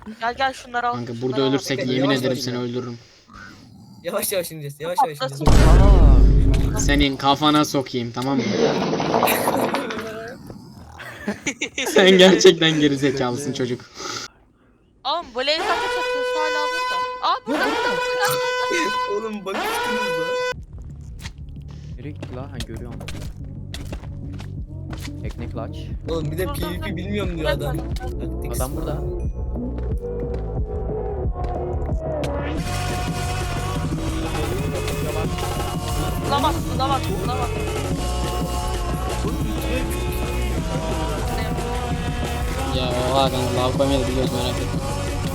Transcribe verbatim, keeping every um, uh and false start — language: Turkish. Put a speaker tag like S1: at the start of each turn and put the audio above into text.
S1: Gel gel şunları al.
S2: Kanka
S1: şunları
S2: burada
S1: al.
S2: ölürsek
S3: Bekle,
S2: yemin
S3: yavaş
S2: ederim
S3: yavaş
S2: seni
S3: ya.
S2: öldürürüm.
S3: Yavaş yavaş ineceğiz. Yavaş yavaş
S1: Patlasın.
S3: ineceğiz.
S4: Aa.
S2: Senin kafana sokayım, tamam mı? Sen gerçekten gerizekalısın çocuk.
S1: Oğlum bu laser kaç atıyorsa hala burada. Aa burada burada burada.
S3: Oğlum bakıştınız da.
S4: Nereye gitti la? Ha görüyorum. Tekne clutch.
S3: Oğlum bir de PvP bilmiyorum diyor adam. Taktik.
S4: Adam burada.
S1: Buna bak buna bak buna bak.
S2: Ya oha kanka lav koymayı da biliyoruz, merak etme.